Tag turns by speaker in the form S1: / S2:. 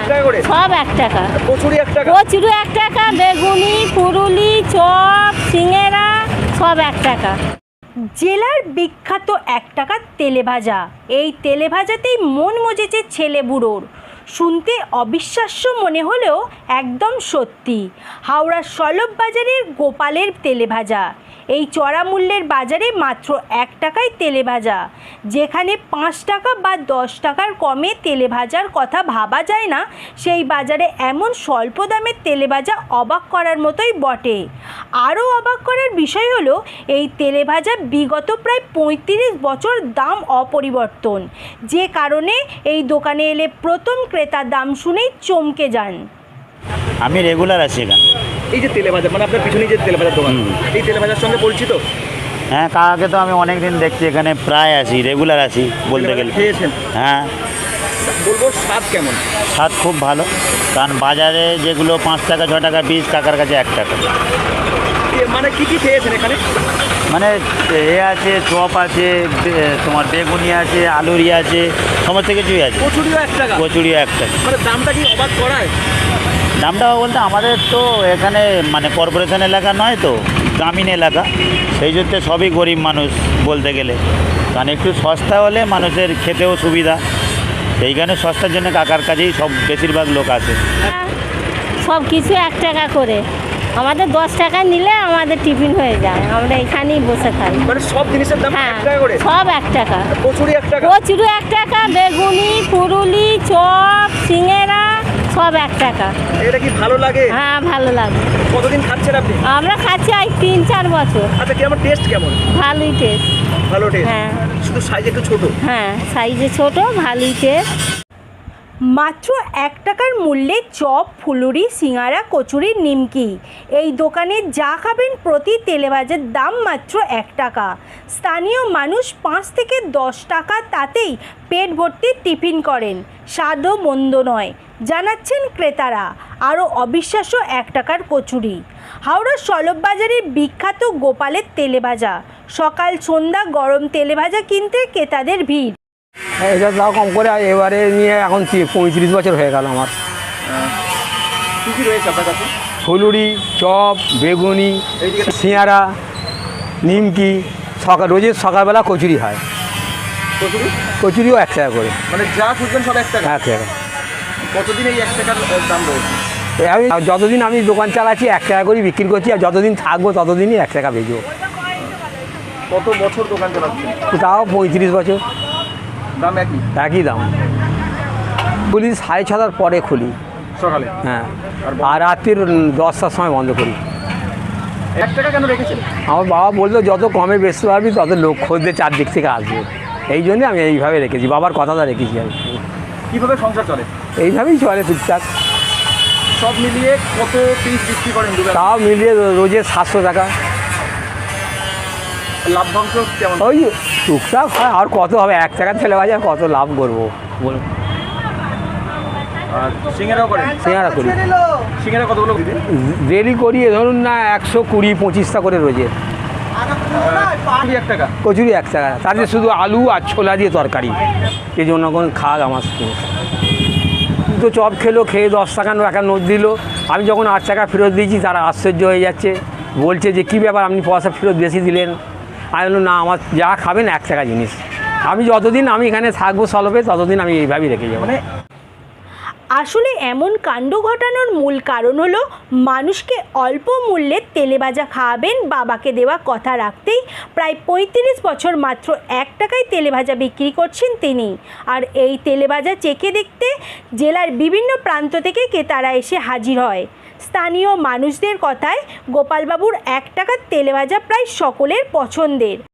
S1: টাকা করে?
S2: সব 1 টাকা।
S1: কচুরি 1 টাকা?
S2: কচুরি 1 টাকা, বেগুনি, ফুরুলি, চপ, সিঙ্গারা সব 1 টাকা।
S3: জেলার বিখ্যাত 1 টাকার তেলেভাজা, এই তেলেভাজাতেই মন মজেছে ছেলে বুড়োর। শুনতে অবিশ্বাস্য মনে হলেও একদম সত্যি। হাওড়ার সলভ বাজারের গোপালের তেলেভাজা, এই চড়া মূল্যের বাজারে মাত্র 1 টাকায় তেলেভাজা। যেখানে 5 টাকা বা 10 টাকার কমে তেলেভাজার কথা ভাবা যায় না, সেই বাজারে এমন স্বল্প দামের তেলেভাজা অবাক করার মতোই বটে। আরও অবাক করার বিষয় হলো এই তেলেভাজা বিগত প্রায় 35 বছর দাম অপরিবর্তন, যে কারণে এই দোকানে এলে প্রথম ক্রেতার দাম শুনেই চমকে যান।
S4: আমি রেগুলার আছি এখানে।
S1: এই যে তেলেভাজা, মানে আপনার পিছনে যে তেলেভাজার দোকান, এই তেলেভাজার সঙ্গে পরিচিত?
S4: হ্যাঁ, কাকাকে তো আমি অনেক দিন দেখছি এখানে, প্রায় আছি, রেগুলার আছি বলতে গেলে।
S1: খেয়েছেন?
S4: হ্যাঁ।
S1: বলবো স্বাদ কেমন?
S4: স্বাদ খুব ভালো, কারণ বাজারে যেগুলো 5 টাকা 6 টাকা পিস, কাকার কাছে 1 টাকা।
S1: মানে কি কি খেয়েছেন এখানে?
S4: মানে আছে, চপ আছে, তোমার বেগুনি আছে, আলুরি আছে, সমস্ত কিছুই আছে।
S1: কচুরিও 1 টাকা?
S4: কচুরিও 1 টাকা।
S1: মানে দামটা কি অবাক করায়?
S4: দামটা বলতে আমাদের তো এখানে মানে কর্পোরেশন এলাকা নয় তো, গ্রামীণ এলাকা, সেই জন্য সবই গরিব মানুষ বলতে গেলে, কারণ একটু সস্তা হলে মানুষের খেতেও সুবিধা, সেইখানে সস্তার জন্য কাকার কাছেই সব বেশিরভাগ লোক আছে।
S2: সব কিছু 1 টাকা করে, আমাদের 10 টাকা নিলে আমাদের টিফিন হয়ে যায়, আমরা এখানেই বসে খাই।
S1: মানে সব জিনিসের দাম 1 টাকা করে?
S2: সব 1 টাকা।
S1: কচুরি 1 টাকা?
S2: কচুরি 1 টাকা, বেগুনি, ফুরুলি, চপ, সিঙ্গারা সব 1 টাকা।
S1: এটা কি ভালো লাগে?
S2: হ্যাঁ, ভালো লাগে।
S1: কতদিন খাচ্ছেন আপনি?
S2: আমরা খাচ্ছি 3-4 বছর।
S1: আচ্ছা, কি আমার টেস্ট কেমন?
S2: ভালোই টেস্ট।
S1: ভালো টেস্ট?
S2: হ্যাঁ।
S1: শুধু সাইজ একটু ছোট?
S2: হ্যাঁ, সাইজে ছোট, ভালোই টেস্ট।
S3: মাত্র 1 টাকার মূল্যে চপ, ফুলুরি, সিঙ্গারা, কচুরি, নিমকি, এই দোকানে যা খাবেন প্রতি তেলেভাজার দাম মাত্র 1 টাকা। স্থানীয় মানুষ 5 থেকে 10 টাকা তাতেই পেট ভর্তি টিফিন করেন, স্বাদও মন্দ নয় জানাচ্ছেন ক্রেতারা। আরও অবিশ্বাস্য 1 টাকার কচুরি। হাওড়ার সলভ বাজারের বিখ্যাত গোপালের তেলেভাজা, সকাল সন্ধ্যা গরম তেলেভাজা কিনতে ক্রেতাদের ভিড়।
S5: এটা দাও কম করে, এবারে নিয়ে এখন 35 বছর হয়ে গেল আমার।
S1: কী কী রয়েছে আপনার কাছে?
S5: ফুলুরি, চপ, বেগুনি, সিঙ্গারা, নিমকি, রোজের সকালবেলা কচুরি হয়।
S1: কচুরি?
S5: কচুরিও 1 টাকা করে।
S1: মানে যা খুঁজবেন সব 1 টাকা?
S5: 1 টাকা।
S1: কতদিন এই 1 টাকার দাম রয়েছে?
S5: আমি যতদিন আমি দোকান চালাচ্ছি 1 টাকা করেই বিক্রি করছি, আর যতদিন থাকবো ততদিনই 1 টাকা বেচবো।
S1: কত বছর দোকান চালাচ্ছেন?
S5: তাও 35 বছর।
S1: দাম একই?
S5: একই দাম। খুলি 6:30টার পরে খুলি
S1: সকালে?
S5: হ্যাঁ, আর রাত্রির 10টার সময় বন্ধ করি।
S1: 1 টাকা কেন রেখেছেন?
S5: আমার বাবা বলতো যত কমে বেচতে পারবি তত লোক খোঁজতে চারদিক থেকে আসবে, এই জন্যে আমি এইভাবে রেখেছি, বাবার কথাটা রেখেছি আমি।
S1: কীভাবে সংসার চলে?
S5: এইভাবেই চলে টুকটাক।
S1: সব মিলিয়ে কত পিস বিক্রি করেন দুবেলা?
S5: তাও মিলিয়ে রোজের 700 টাকা।
S1: লাভ্যাংশ কেমন?
S5: ওই টুকটাক হয়, আর কত হবে, 1 টাকার তেলেভাজা কত লাভ করবো বলুন।
S1: আর সিঙ্গারাও করেন?
S5: সিঙ্গারা করি।
S1: সিঙ্গারা কতগুলো দিদি?
S5: ডেলি করি ধরুন না 120-25টা করে রোজের।
S1: 1 টাকা?
S5: কচুরি 1 টাকা, তাতে শুধু আলু আর ছোলা দিয়ে তরকারি, এই জন্য কোন খাক আমার তো চপ খেলো, খেয়ে 10 টাকা একটা নোট দিল। আমি যখন 8 টাকা ফেরত দিয়েছি তারা আশ্চর্য হয়ে যাচ্ছে, বলছে যে কী ব্যাপার আপনি পয়সা ফেরত বেশি দিলেন। আমি বললাম না, আমার যা খাবেন 1 টাকা জিনিস, আমি যতদিন আমি এখানে থাকবো সলভে ততদিন আমি এইভাবেই রেখে যাবো।
S3: আসলে এমন কাণ্ড ঘটানোর মূল কারণ হলো মানুষকে অল্প মূল্যে তেলেভাজা খাওয়াবেন বাবাকে দেওয়া কথা রাখতেই প্রায় 35 বছর মাত্র 1 টাকায় তেলেভাজা বিক্রি করছেন তিনি। আর এই তেলেভাজা চেখে দেখতে জেলার বিভিন্ন প্রান্ত থেকে ক্রেতারা এসে হাজির হয়। স্থানীয় মানুষদের কথায় গোপালবাবুর 1 টাকার তেলেভাজা প্রায় সকলের পছন্দের।